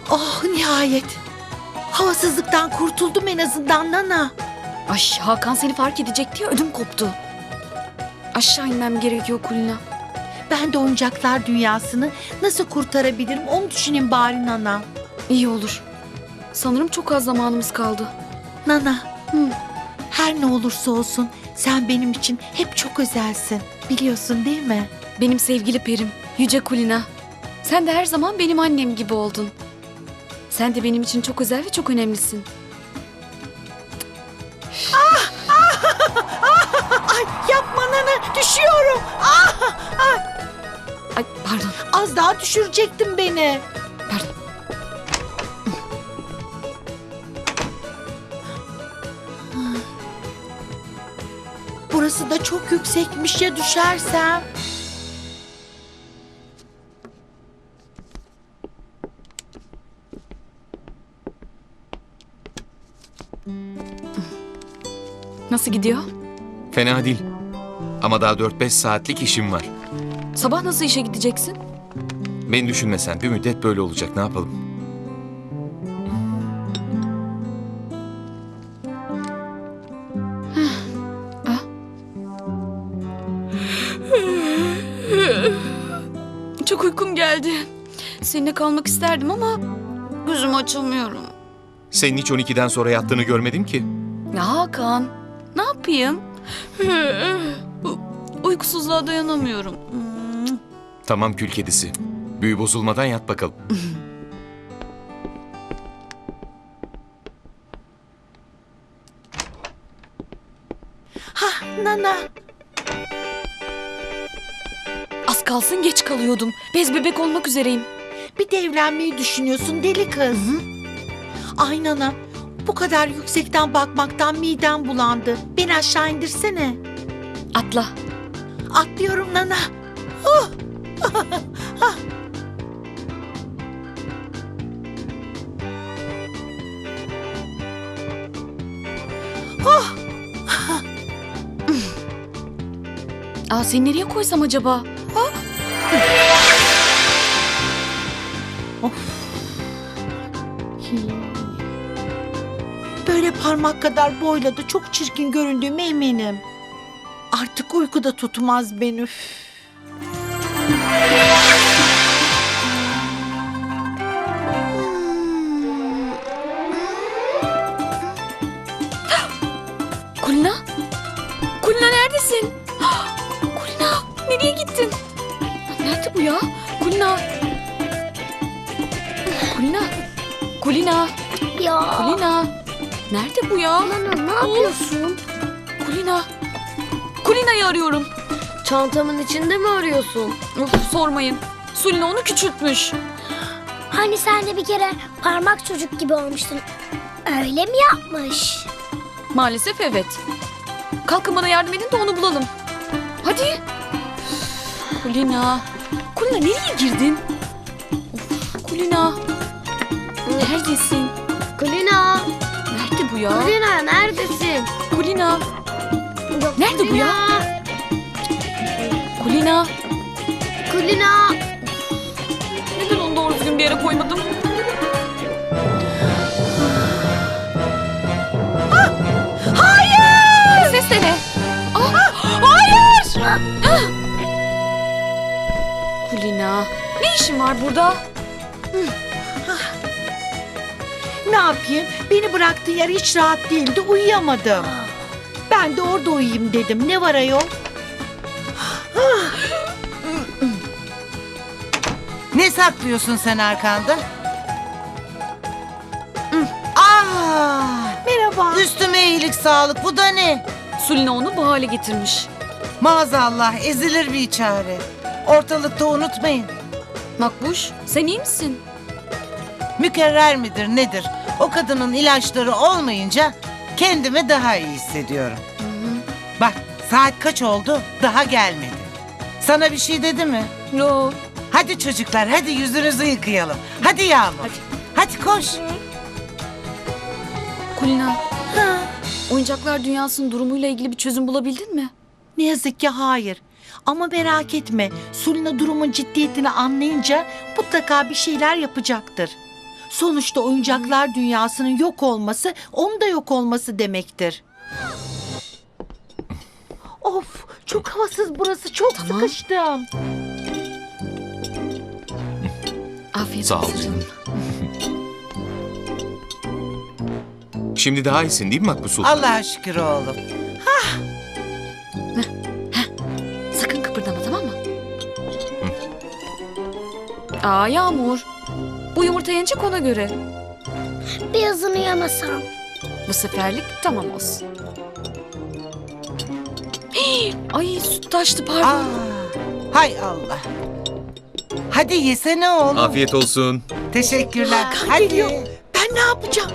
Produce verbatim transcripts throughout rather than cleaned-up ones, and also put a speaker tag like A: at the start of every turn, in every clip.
A: Oh nihayet. Havasızlıktan kurtuldum en azından Nana.
B: Ay Hakan seni fark edecek diye ödüm koptu. Aşağı inmem gerekiyor Kulina.
A: Ben de oyuncaklar dünyasını nasıl kurtarabilirim onu düşüneyim bari Nana.
B: İyi olur. Sanırım çok az zamanımız kaldı.
A: Nana,
B: Hı.
A: her ne olursa olsun sen benim için hep çok özelsin. Biliyorsun değil mi?
B: Benim sevgili perim, Yüce Kulina. Sen de her zaman benim annem gibi oldun. Sen de benim için çok özel ve çok önemlisin.
A: Ay yapma Nana, düşüyorum. Ah, ah.
B: Ay pardon,
A: Az daha düşürecektin beni.
B: pardon.
A: Burası da çok yüksekmiş, ya düşersem.
B: Nasıl gidiyor?
C: Fena değil. Ama daha dört beş saatlik işim var.
B: Sabah nasıl işe gideceksin?
C: Beni düşünme sen. Bir müddet böyle olacak. Ne yapalım?
B: Çok uykum geldi. Seninle kalmak isterdim ama gözüm açılmıyorum.
C: Senin hiç on ikiden sonra yattığını görmedim ki.
B: Ya Hakan, ne yapayım? Uykusuzluğa dayanamıyorum.
C: Tamam kül kedisi. Büyü bozulmadan yat bakalım.
A: Hah Nana.
B: Az kalsın geç kalıyordum. Bez bebek olmak üzereyim.
A: Bir de evlenmeyi düşünüyorsun deli kız. Ay Nana, bu kadar yüksekten bakmaktan midem bulandı. Beni aşağı indirsene.
B: Atla.
A: Atlıyorum Nana. Oh.
B: Aa, seni nereye koysam acaba? Ha?
A: Böyle parmak kadar boyla da çok çirkin göründüğüme eminim. Artık uyku da tutmaz beni. Üf.
B: Kulina? Kulina neredesin? Kulina nereye gittin? Nerede bu ya? Kulina. Kulina. Kulina.
D: Ya
B: Kulina. Nerede bu ya?
D: Nana ne yapıyorsun?
B: Kulina. Kulina'yı arıyorum.
D: Çantamın içinde mi arıyorsun?
B: Of, sormayın. Sulina onu küçültmüş.
D: Hani sen de bir kere parmak çocuk gibi olmuştun. Öyle mi yapmış?
B: Maalesef evet. Kalkın bana yardım edin de onu bulalım. Hadi. Kulina. Kulina nereye girdin? Of, Kulina. Neredesin?
D: Kulina,
B: Nerede bu ya?
D: Kulina neredesin?
B: Kulina.
D: Yok,
B: Nerede bu ya? Kulina.
D: Kulina.
B: Neden onu doğru düzgün bir yere koymadım?
A: Hayır!
B: Ses de ne? Ah, hayır! Ah! Kulina. Ne işin var burada?
A: Ne yapayım? Beni bıraktığın yer hiç rahat değildi. Uyuyamadım. Ben de orada uyuyayım dedim. Ne var ayol?
E: Ne saklıyorsun sen arkanda? Aa,
A: Merhaba.
E: üstüme iyilik sağlık. Bu da ne?
B: Sulina onu bu hale getirmiş.
E: Maazallah ezilir bir çare. Ortalıkta unutmayın.
B: Makbuş, sen iyi misin?
E: Mükerrer midir nedir? O kadının ilaçları olmayınca kendimi daha iyi hissediyorum. Bak saat kaç oldu? Daha gelmedi. Sana bir şey dedi mi?
B: Yo.
E: Hadi çocuklar hadi yüzünüzü yıkayalım. Hadi Yağmur.
B: Hadi.
E: Hadi koş.
B: Kulina,
A: Ha,
B: oyuncaklar dünyasının durumuyla ilgili bir çözüm bulabildin mi?
A: ne yazık ki hayır. Ama merak etme. Sulina durumun ciddiyetini anlayınca mutlaka bir şeyler yapacaktır. Sonuçta oyuncaklar dünyasının yok olması, onun da yok olması demektir. Of, çok havasız burası. Çok
B: Tamam.
A: sıkıştım.
B: Afiyet
C: Sağ ol
B: olsun.
C: canım. Şimdi daha iyisin değil mi Makbul Sultan?
E: Allah'a şükür oğlum.
B: Sakın kıpırdama, tamam mı? Aa Yağmur. Bu yumurta yenecek, ona göre.
D: Birazını yamasam.
B: Bu seferlik tamam olsun. Hii, ay süt taştı, pardon.
E: Aa, hay Allah. Hadi yesene oğlum.
C: Afiyet olsun.
E: Teşekkürler.
A: Kan
E: Hadi.
A: geliyor. Ben ne yapacağım?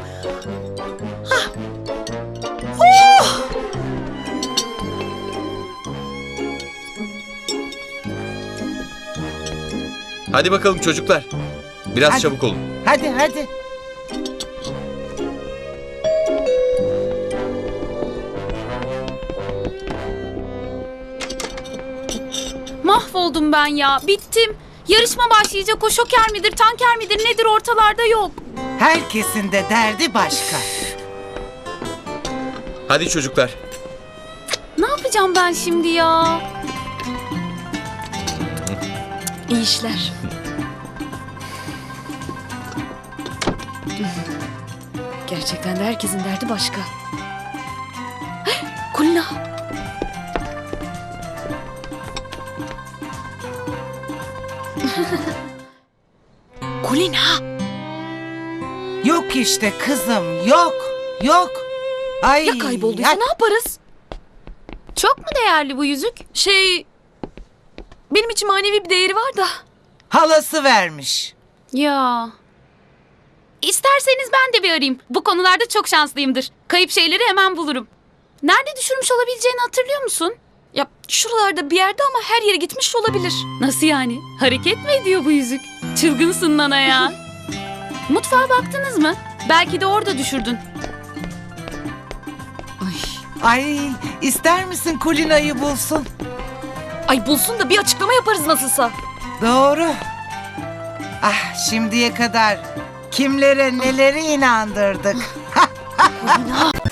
C: Hadi bakalım çocuklar. Biraz
E: Hadi.
C: çabuk olun.
E: Hadi hadi.
F: Mahvoldum ben ya. Bittim. Yarışma başlayacak. O şoker midir, tanker midir, nedir ortalarda yok.
E: Herkesin de derdi başka.
C: Hadi çocuklar.
F: Ne yapacağım ben şimdi ya?
B: İyi işler. Gerçekten de herkesin derdi başka. Heh, Kulina. Kulina.
E: Yok işte kızım, yok. Yok. Ay.
B: Ya kaybolduysa
E: ya-
B: ne yaparız?
F: Çok mu değerli bu yüzük?
B: Şey... Benim için manevi bir değeri var da.
E: Halası vermiş.
F: Ya. İsterseniz ben de bir arayayım. Bu konularda çok şanslıyımdır. Kayıp şeyleri hemen bulurum. Nerede düşürmüş olabileceğini hatırlıyor musun?
B: Ya şuralarda bir yerde ama her yere gitmiş olabilir.
F: Nasıl yani? Hareket mi ediyor bu yüzük? Çılgınsın Nana ya. Mutfağa baktınız mı? Belki de orada düşürdün.
B: Ay.
E: Ay, ister misin Kulina'yı bulsun?
B: Ay bulsun da bir açıklama yaparız nasılsa.
E: Doğru. Ah, şimdiye kadar kimlere neleri inandırdık.
B: Kulina.